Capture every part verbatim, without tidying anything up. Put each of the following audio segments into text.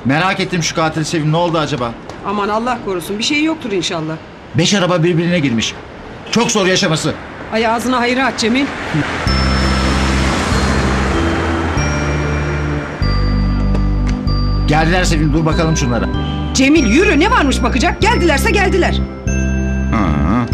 Merak ettim şu katil Sevim, ne oldu acaba? Aman Allah korusun, bir şey yoktur inşallah. Beş araba birbirine girmiş. Çok zor yaşaması. Ay ağzına hayır aç Cemil. Geldiler Sevim, dur bakalım şunlara. Cemil yürü, ne varmış bakacak? Geldilerse geldiler. Ha.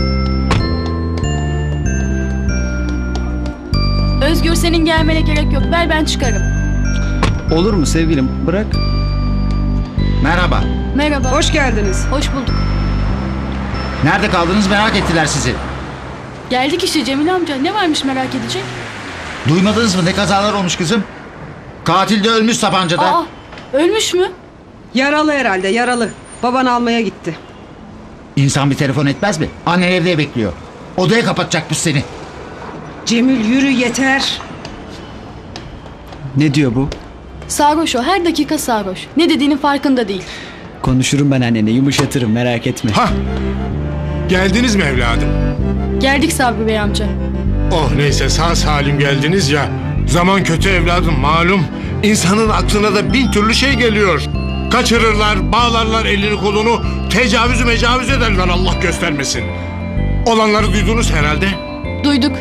Özgür, senin gelmene gerek yok. Ver, ben çıkarım. Olur mu sevgilim? Bırak. Merhaba. Merhaba. Hoş geldiniz. Hoş bulduk. Nerede kaldınız, merak ettiler sizi. Geldik işte Cemil amca. Ne varmış merak edecek? Duymadınız mı ne kazalar olmuş kızım? Katil de ölmüş Sapanca'da. Aa, ölmüş mü? Yaralı herhalde, yaralı. Baban almaya gitti. İnsan bir telefon etmez mi? Annen evde bekliyor. Odaya kapatacakmış seni. Cemil yürü yeter. Ne diyor bu? Sarhoş o. Her dakika sarhoş. Ne dediğinin farkında değil. Konuşurum ben annene, yumuşatırım, merak etme. Hah! Geldiniz mi evladım? Geldik Sabri Bey amca. Oh neyse sağ salim geldiniz ya. Zaman kötü evladım malum. İnsanın aklına da bin türlü şey geliyor. Kaçırırlar, bağlarlar elini kolunu, tecavüzü mecavüz ederler Allah göstermesin. Olanları duydunuz herhalde. Duyduk.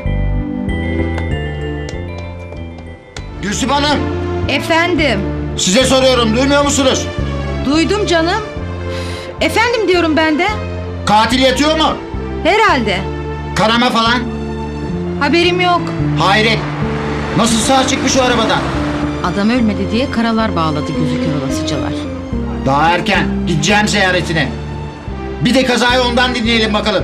Gülsüm Hanım, Efendim, size soruyorum, duymuyor musunuz? duydum canım. Efendim diyorum ben de. Katil yatıyor mu? Herhalde. Kanama falan? Haberim yok. Hayret. Nasıl sağ çıkmış o arabadan? Adam ölmedi diye karalar bağladı gözü kör olasıcalar. Daha erken, gideceğim ziyaretine. Bir de kazayı ondan dinleyelim bakalım.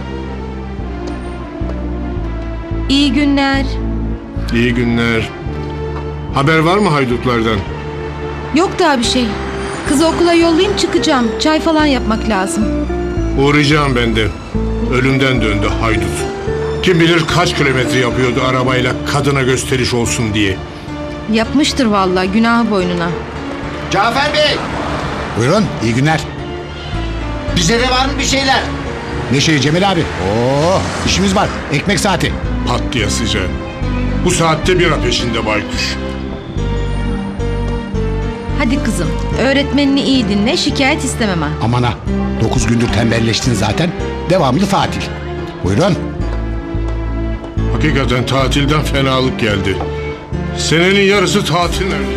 İyi günler. İyi günler. Haber var mı haydutlardan? Yok daha bir şey. Kızı okula yollayayım çıkacağım. Çay falan yapmak lazım. Uğrayacağım ben de. Ölümden döndü haydut. Kim bilir kaç kilometre yapıyordu arabayla kadına gösteriş olsun diye. Yapmıştır vallahi günah boynuna. Cafer Bey, Buyurun, iyi günler. bize de var mı bir şeyler? Ne şey Cemil abi? Oo, işimiz var. Ekmek saati. Patlayasıca. Bu saatte bira peşinde baykuş. Hadi kızım, öğretmenini iyi dinle, şikayet istemem ha. Aman ha, dokuz gündür tembelleştin zaten. Devamlı tatil. Buyurun. Hakikaten tatilden fenalık geldi. Senenin yarısı tatil nerede?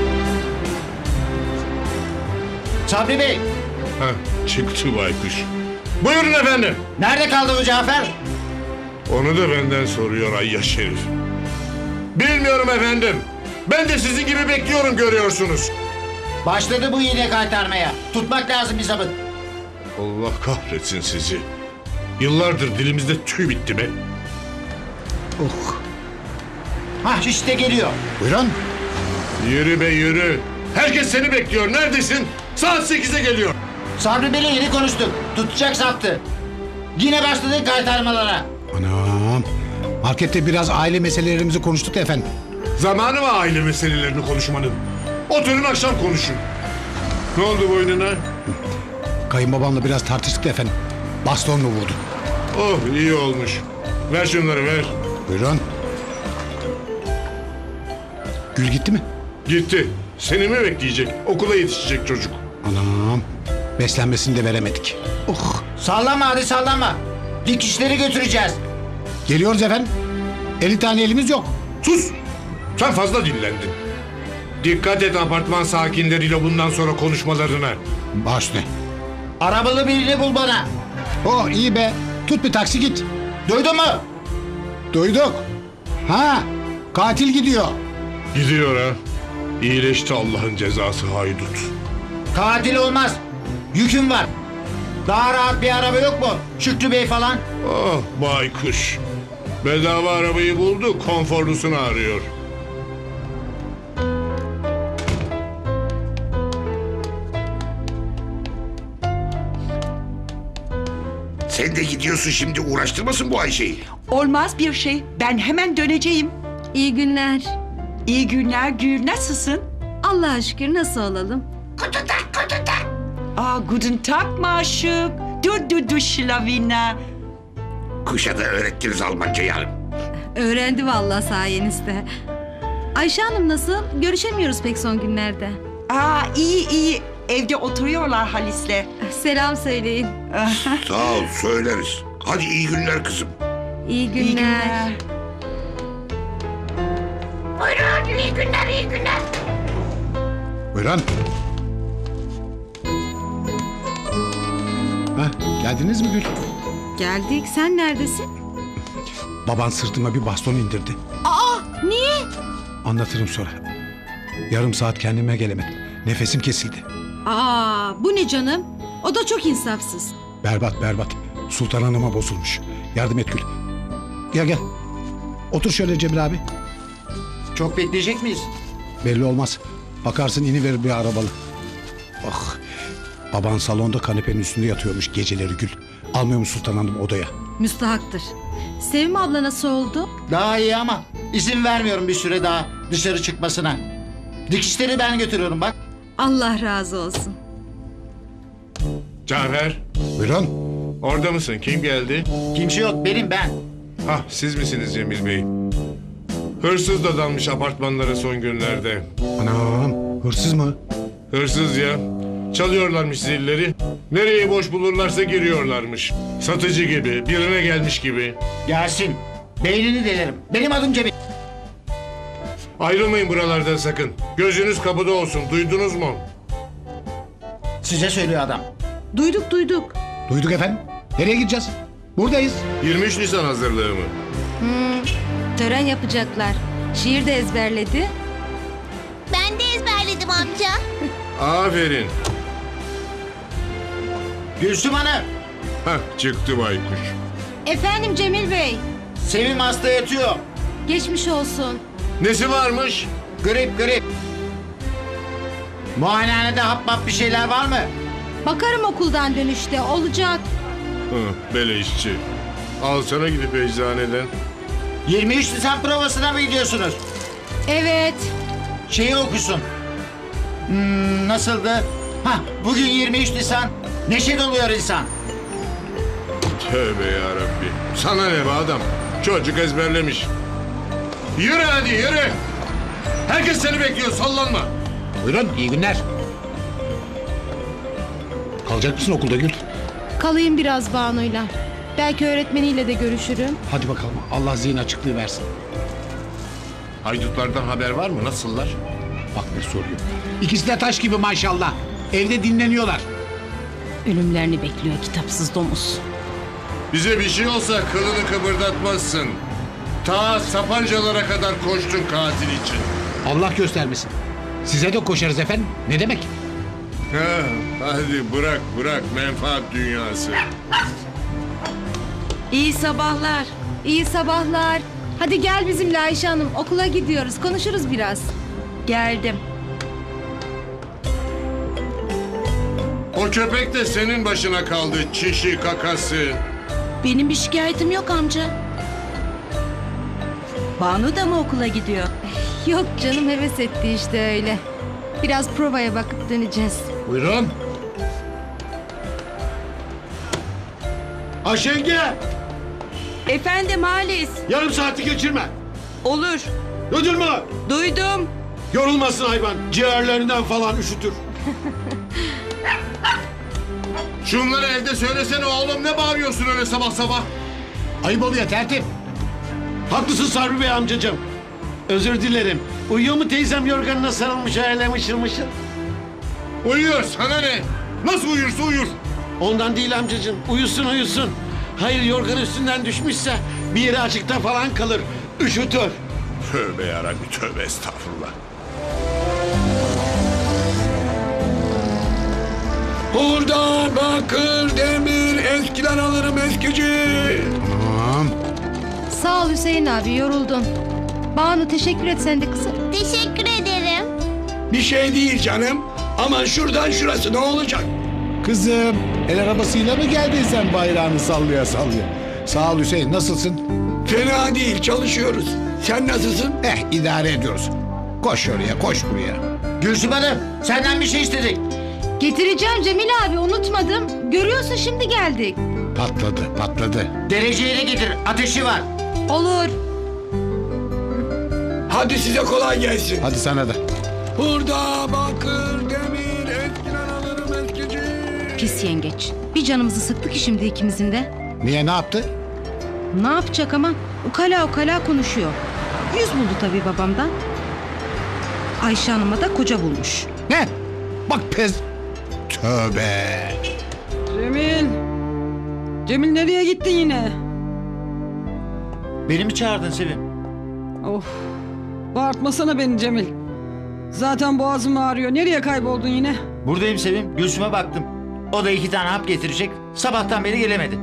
Sabri Bey, Heh, çıktı baykuş. Buyurun efendim. nerede kaldı bu Cafer? Onu da benden soruyor Ayya Şerif. Bilmiyorum efendim. Ben de sizin gibi bekliyorum görüyorsunuz. Başladı bu yine kaytarmaya. Tutmak lazım bir zabıt. Allah kahretsin sizi. Yıllardır dilimizde tüy bitti be. Oh. Hah işte geliyor. Buyurun. Yürü be yürü. Herkes seni bekliyor. Neredesin? Saat sekize geliyor. Sabri Bey'le yeni konuştuk. Tutacak saptı. Yine başladık kaytarmalara. Anam. Markette biraz aile meselelerimizi konuştuk da efendim. Zamanı mı aile meselelerini konuşmanın? Oturun akşam konuşun. Ne oldu boynuna? Kayınbabamla biraz tartıştık da efendim. Bastonla vurdu. Oh iyi olmuş. Ver şunları ver. Buyurun. Gül gitti mi? Gitti. Seni mi bekleyecek? Okula yetişecek çocuk. Anam. Beslenmesini de veremedik. Oh. Sallanma hadi sallanma. Dikişleri götüreceğiz. Geliyoruz efendim. elli tane elimiz yok. Sus! Sen fazla dillendin. Dikkat et apartman sakinleriyle bundan sonra konuşmalarına. Baş ne? Arabalı birini bul bana. Oh iyi be. Tut bir taksi git. Duydun mu? Duyduk. Ha, katil gidiyor. Gidiyor ha. İyileşti Allah'ın cezası haydut. Katil olmaz. Yüküm var. Daha rahat bir araba yok mu? Şükrü Bey falan. Oh baykuş. Bedava arabayı buldu, konforlusunu arıyor. Sen de gidiyorsun şimdi, uğraştırmasın bu Ayşe'yi. Olmaz bir şey. Ben hemen döneceğim. İyi günler. İyi günler Gül. Nasılsın? Allah'a şükür nasıl olalım? Aa, guten Tag Maşuk. Du du du Şlavina. Kuşa da öğrettiniz Almancayı hanım. Öğrendi vallahi sayenizde. Ayşe Hanım nasıl? Görüşemiyoruz pek son günlerde. Aa, iyi iyi. Evde oturuyorlar Halis'le. Selam söyleyin. Sağ ol söyleriz. Hadi iyi günler kızım. İyi günler. İyi günler. Buyurun. Heh, geldiniz mi Gül? Geldik. Sen neredesin? Baban sırtıma bir baston indirdi. Aa, niye? Anlatırım sonra. Yarım saat kendime gelemedim. Nefesim kesildi. Aa, bu ne canım? O da çok insafsız. Berbat berbat. Sultan Hanım'a bozulmuş. Yardım et Gül. Gel gel. Otur şöyle Cemil abi. Çok bekleyecek miyiz? Belli olmaz. Bakarsın iniverir bir arabalı. Ah. Baban salonda kanepenin üstünde yatıyormuş geceleri Gül. Almıyor mu Sultan Hanım odaya? Müstahaktır. Sevim abla nasıl oldu? Daha iyi ama izin vermiyorum bir süre daha dışarı çıkmasına. Dikişleri ben götürüyorum bak. Allah razı olsun. Cafer, Buyurun. orada mısın? Kim geldi? Kimse yok, benim ben. Hah, siz misiniz Cemil Bey? Hırsız da dalmış apartmanlara son günlerde. Anam, hırsız mı? Hırsız ya. Çalıyorlarmış zilleri. Nereye boş bulurlarsa giriyorlarmış. Satıcı gibi, birine gelmiş gibi. Gelsin. Beynini delerim. Benim adım Cemil. Ayrılmayın buralardan sakın. Gözünüz kapıda olsun. Duydunuz mu? Size söylüyor adam. Duyduk duyduk. Duyduk efendim. Nereye gideceğiz? Buradayız. yirmi üç Nisan hazırlığı mı? Tören yapacaklar. Şiir de ezberledi. Ben de ezberledim amca. Aferin. Gülsüm Hanım. Hah, çıktı baykuş. Efendim Cemil Bey. Sevim hasta yatıyor. Geçmiş olsun. Nesi varmış? Grip grip. Muayenehanede hap map bir şeyler var mı? Bakarım okuldan dönüşte. Olacak. Hı, beleşçi. Alsana gidip eczaneden. yirmi üç Nisan provasına mı gidiyorsunuz? Evet. Şeyi okusun. Hmm, nasıldı? Hah, bugün yirmi üç Nisan. Neşe doluyor insan. Tövbe yarabbi. Sana ne be adam? Çocuk ezberlemiş. Yürü hadi yürü. Herkes seni bekliyor, sallanma. Buyurun, iyi günler. Kalacak mısın okulda Gül? Kalayım biraz Banu'yla. Belki öğretmeniyle de görüşürüm. Hadi bakalım. Allah zihin açıklığı versin. Haydutlardan haber var mı? Nasıllar? Bak ne soruyor. İkisi de taş gibi maşallah. Evde dinleniyorlar. Ölümlerini bekliyor kitapsız domuz. Bize bir şey olsa kılını kıpırdatmazsın. Ta Sapancalara kadar koştun katil için. Allah göstermesin. Size de koşarız efendim. Ne demek? Ha, hadi bırak bırak menfaat dünyası. İyi sabahlar. İyi sabahlar. Hadi gel bizimle Ayşe Hanım. Okula gidiyoruz. Konuşuruz biraz. Geldim. O köpek de senin başına kaldı, çişi kakası. Benim bir şikayetim yok amca. Banu da mı okula gidiyor? Yok canım heves etti işte öyle. Biraz provaya bakıp döneceğiz. Buyurun. Ayşenge, Efendim Halis. yarım saati geçirme. Olur. Duydun mu lan? Duydum. Yorulmasın hayvan. Ciğerlerinden falan üşütür. Şunları evde söylesene oğlum, ne bağırıyorsun öyle sabah sabah? Ayıp oluyor tertip. Haklısın Sarbi Bey amcacığım. Özür dilerim. Uyuyor mu teyzem yorganına sarılmış öyle mışıl mışıl? Uyuyor, sana ne? Nasıl uyursa uyur. Ondan değil amcacığım. Uyusun uyusun. Hayır yorgan üstünden düşmüşse bir yeri açıkta falan kalır. Üşütür. Tövbe yarabbi, tövbe estağfurullah. Hurda, bakır, demir, eskiden alırım eskici. Tamam. Sağ ol Hüseyin abi yoruldun. Banu teşekkür et sen de kızım. Teşekkür ederim. Bir şey değil canım. Aman şuradan şurası ne olacak? Kızım, el arabasıyla mı geldin sen bayrağını sallaya sallaya? Sağ ol Hüseyin, nasılsın? Fena değil çalışıyoruz. Sen nasılsın? Eh, idare ediyoruz. Koş oraya, koş buraya. Gülsüm Hanım, senden bir şey istedik. Getireceğim Cemil abi unutmadım. Görüyorsun şimdi geldik. Patladı, patladı. Dereceyle getir, ateşi var. Olur. Hadi size kolay gelsin. Hadi sana da. Hurda, bakır, demir, eskiden alırım Pis yengeç. Bir canımızı sıktı ki şimdi ikimizin de. Niye, ne yaptı? Ne yapacak ama? Ukala ukala konuşuyor. Yüz buldu tabii babamdan. Ayşe Hanım'a da koca bulmuş. Ne? Bak pez. Tövbe. Cemil. Cemil nereye gittin yine? Beni mi çağırdın Sevim? Of. Bağırtmasana beni Cemil. Zaten boğazım ağrıyor. Nereye kayboldun yine? Buradayım Sevim. Gülsüm'e baktım. O da iki tane hap getirecek. Sabahtan beri gelemedi.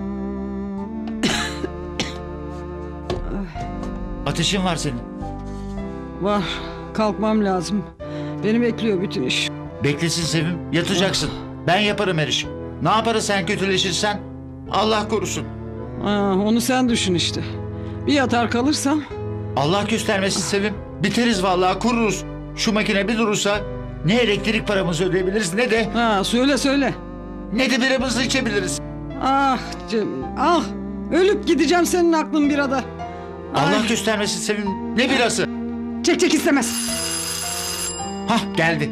Ateşin var senin. Var. Kalkmam lazım. Beni bekliyor bütün iş. Beklesin Sevim. Yatacaksın. Ben yaparım her işi. Ne yaparız sen kötüleşirsen? Allah korusun. Aa, onu sen düşün işte. Bir yatar kalırsam. Allah göstermesin Sevim. Biteriz vallahi, kururuz. Şu makine bir durursa ne elektrik paramızı ödeyebiliriz ne de Ha, söyle söyle. ne de biramızı içebiliriz. Ah Cemil, ah. Ölüp gideceğim senin aklın birada. Allah Ay. göstermesin Sevim. Ne birası? Çek çek istemez. Hah, geldi.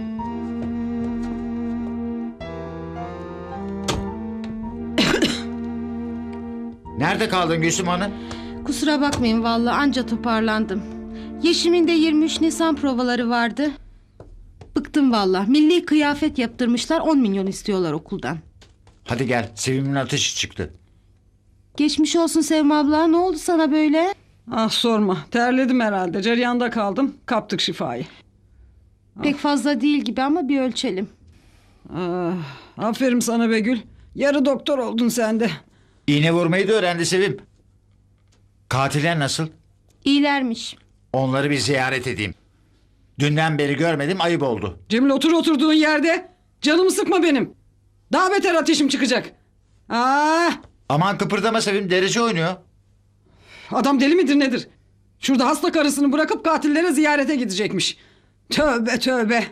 Nerede kaldın Gülsüm Hanım? Kusura bakmayın vallahi anca toparlandım. Yeşim'in de yirmi üç Nisan provaları vardı. Bıktım vallahi. Milli kıyafet yaptırmışlar, on milyon istiyorlar okuldan. Hadi gel, Sevim'in ateşi çıktı. Geçmiş olsun Sevim abla, ne oldu sana böyle? Ah sorma, terledim herhalde. Ceryanda kaldım, kaptık şifayı. Pek fazla değil gibi ama bir ölçelim. Ah, aferin sana be Gül. Yarı doktor oldun sen de. İğne vurmayı da öğrendi Sevim. Katiller nasıl? İyilermiş. Onları bir ziyaret edeyim. Dünden beri görmedim, ayıp oldu. Cemil otur oturduğun yerde. Canımı sıkma benim. Daha beter ateşim çıkacak. Ah, Aman kıpırdama Sevim, derece oynuyor. adam deli midir nedir? Şurada hasta karısını bırakıp katillere ziyarete gidecekmiş. Tövbe tövbe.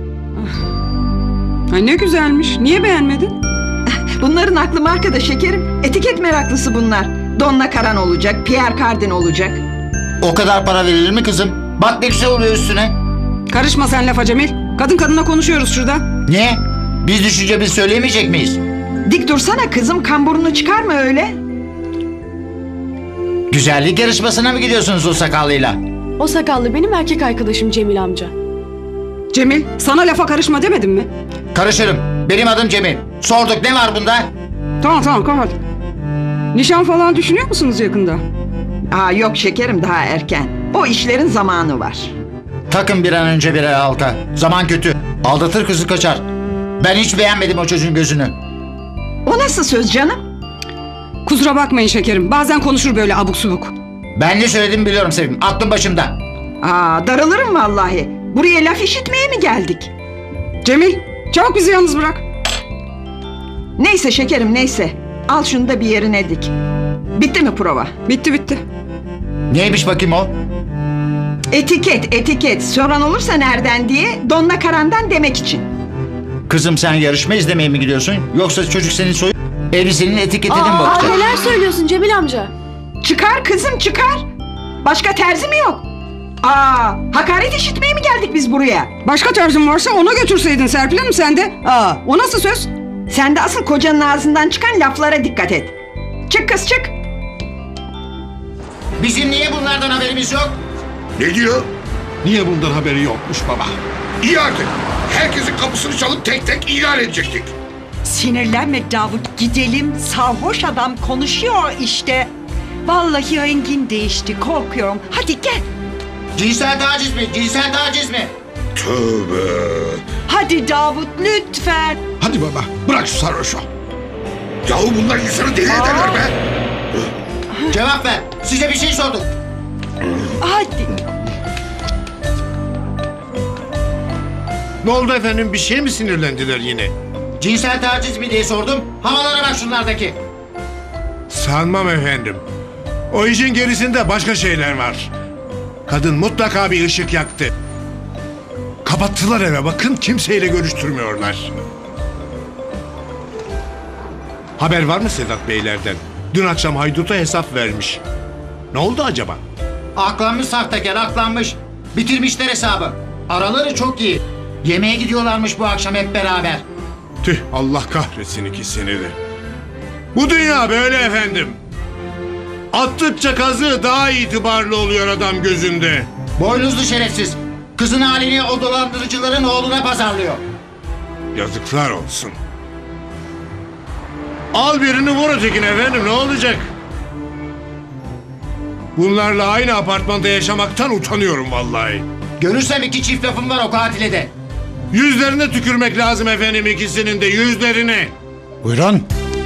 Ah. Ay ne güzelmiş. Niye beğenmedin? Bunların aklı markada şekerim. Etiket meraklısı bunlar. Donna Karan olacak, Pierre Cardin olacak. O kadar para verilir mi kızım? Bak ne güzel oluyor üstüne. Karışma sen lafa Cemil. Kadın kadına konuşuyoruz şurada. Niye? Biz düşünce biz söyleyemeyecek miyiz? Dik dursana kızım, kamburunu çıkarma öyle. Güzellik yarışmasına mı gidiyorsunuz o sakallıyla? O sakallı benim erkek arkadaşım Cemil amca. Cemil sana lafa karışma demedim mi? Karışırım. Benim adım Cemil. Sorduk, ne var bunda? Tamam tamam kapat. Nişan falan düşünüyor musunuz yakında? Aa yok şekerim, daha erken. O işlerin zamanı var. Takın bir an önce birer halka. Zaman kötü. Aldatır kızı kaçar. Ben hiç beğenmedim o çocuğun gözünü. O nasıl söz canım? Kusura bakmayın şekerim. Bazen konuşur böyle abuk subuk. Ben ne söyledim biliyorum Sevim. Aklım başımda. Aa darılırım vallahi. Buraya laf işitmeye mi geldik? Cemil çabuk bizi yalnız bırak. Neyse şekerim neyse. Al şunu da bir yerine dik. Bitti mi prova? Bitti bitti. Neymiş bakayım o? Etiket etiket. Soran olursa nereden diye, Donna Karan'dan demek için. Kızım sen yarışma izlemeye mi gidiyorsun? Yoksa çocuk senin soyup elbisenin etiketine mi Aa, bakacak? neler söylüyorsun Cemil amca? Çıkar kızım çıkar. Başka terzi mi yok? Aa, hakaret işitmeye mi geldik biz buraya? Başka tarzın varsa ona götürseydin Serpil Hanım sen de. Aa, o nasıl söz? Sen de asıl kocanın ağzından çıkan laflara dikkat et. Çık kız çık. Bizim niye bunlardan haberimiz yok? Ne diyor? Niye bundan haberi yokmuş baba? İyi artık. Herkesin kapısını çalıp tek tek ilan edecektik. Sinirlenme Davut, gidelim. Sarhoş adam konuşuyor işte. Vallahi rengin değişti, korkuyorum. Hadi gel. Cinsel taciz mi? Cinsel taciz mi? Tövbe. Hadi Davut lütfen. Hadi baba, bırak şu sarhoşu. Yahu bunlar insanı deli ederler be. Cevap ver. Size bir şey sordum. Hadi. Ne oldu efendim, bir şey mi sinirlendiler yine? Cinsel taciz mi diye sordum. Havalara bak şunlardaki. Sanmam efendim. O işin gerisinde başka şeyler var. Kadın mutlaka bir ışık yaktı. Kapattılar eve, bakın kimseyle görüştürmüyorlar. Haber var mı Sedat Beylerden? Dün akşam hayduta hesap vermiş. Ne oldu acaba? Aklanmış sahtekar, aklanmış. Bitirmişler hesabı. Araları çok iyi. Yemeğe gidiyorlarmış bu akşam hep beraber. Tüh, Allah kahretsin ikisini de. Bu dünya böyle efendim. Attıkça kazı daha itibarlı oluyor adam gözünde. Boynuzlu şerefsiz. Kızın halini o dolandırıcıların oğluna pazarlıyor. Yazıklar olsun. Al birini vur ötekine efendim, ne olacak? Bunlarla aynı apartmanda yaşamaktan utanıyorum vallahi. Görürsem iki çift lafım var o katile de. Yüzlerine tükürmek lazım efendim ikisinin de, yüzlerine. Buyurun.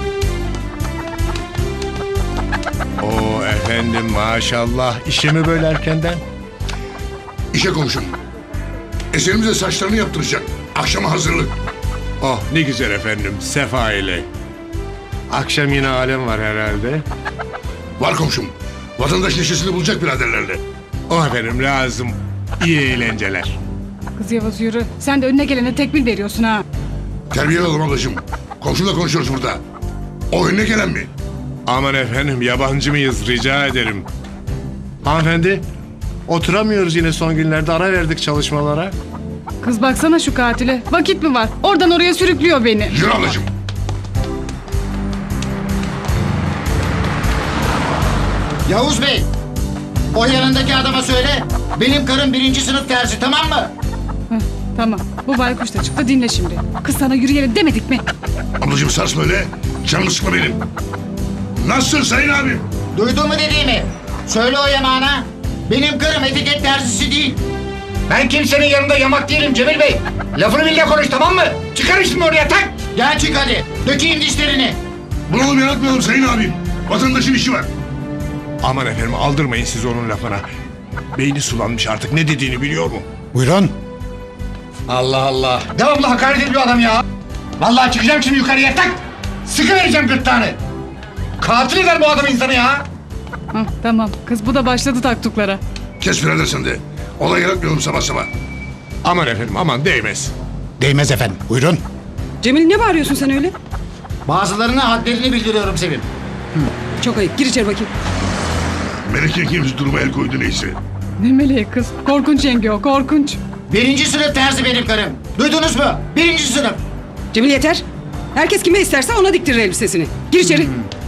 Oo efendim maşallah, işimi böyle erkenden. İşe komşum. Eserimize saçlarını yaptıracak. Akşama hazırlık. Oh ne güzel efendim, sefa ile. Akşam yine alem var herhalde. Var komşum. Vatandaş neşesini bulacak biraderlerle. Oh efendim lazım. İyi eğlenceler. Kız Yavuz yürü. Sen de önüne gelene tekmil veriyorsun ha. Terbiyeli olalım ablacığım. Komşumla konuşuyoruz burada. O önüne gelen mi? Aman efendim, yabancı mıyız rica ederim. Hanımefendi, oturamıyoruz yine son günlerde, ara verdik çalışmalara. Kız baksana şu katile. Vakit mi var? Oradan oraya sürüklüyor beni. Yürü ablacığım. Yavuz Bey. O yanındaki adama söyle. Benim karım birinci sınıf terzi, tamam mı? Heh, tamam. Bu baykuş da çıktı, dinle şimdi. Kız sana yürüyelim demedik mi? Ablacığım sarsma öyle. Canımı sıkma benim. Nasılsın sayın abim? Duydun mu dediğimi? Söyle o yamağına. Benim karım etiket terzisi değil. Ben kimsenin yanında yamak değilim Cemil Bey. Lafını bil de konuş, tamam mı? Çıkar şimdi oraya, tak. Gel çık hadi. Dökeyim dişlerini. Bunalım yaratmayalım sayın abim. Vatandaşın işi var. Aman efendim, aldırmayın siz onun lafına. Beyni sulanmış artık, ne dediğini biliyor mu? Buyurun. Allah Allah. Devamlı hakaret ediyor adam ya. Vallahi çıkacağım şimdi yukarıya, tak. Sıkı vereceğim gırtlağını. Katil eder bu adam insanı ya. Hah, tamam. Kız bu da başladı taktuklara. Kes birader sen de. Olay yaratmayalım sabah sabah. Aman efendim, aman değmez. Değmez efendim. Buyurun. Cemil ne bağırıyorsun sen öyle? Bazılarına hadlerini bildiriyorum Sevim. Çok ayıp. Gir içeri bakayım. Melek yengemiz duruma el koydu neyse. Ne meleği kız. Korkunç yenge o, korkunç. Birinci sınıf terzi benim karım. Duydunuz mu? Birinci sınıf. Cemil yeter. Herkes kime isterse ona diktirir elbisesini. Gir içeri.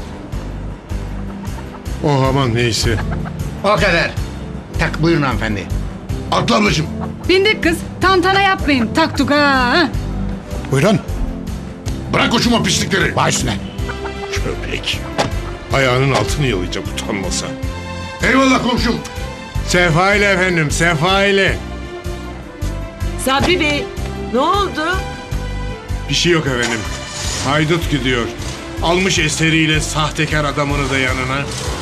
Oh aman neyse. O kadar. Tak buyurun hanımefendi. Atla ablacığım. Bindik kız. Tantana yapmayın. Taktuk ha. Buyurun. Bırak koçuma pislikleri. Baş üstüne. Köpek. Ayağının altını yalayacak utanmasa. Eyvallah komşum. Sefa ile efendim, sefa ile. Sabri Bey, ne oldu? Bir şey yok efendim. Haydut gidiyor. Almış eseriyle sahtekar adamını da yanına.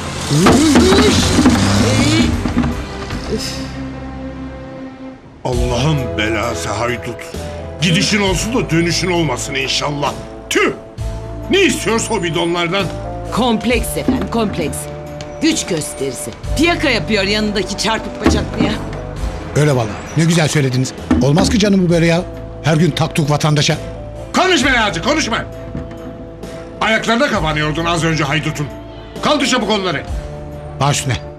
Allah'ın belası haydut. Gidişin olsun da dönüşün olmasın inşallah. Tüh! Ne istiyorsa o bidonlardan. Kompleks efendim, kompleks. Güç gösterisi. Piyaka yapıyor yanındaki çarpık bacaklıya. Öyle vallahi. Ne güzel söylediniz. Olmaz ki canım bu böyle ya. Her gün taktuk vatandaşa. Konuşma Niyazi, konuşma. Ayaklarına kapanıyordun az önce haydutun. Kaldır çabuk onları. Baş üstüne.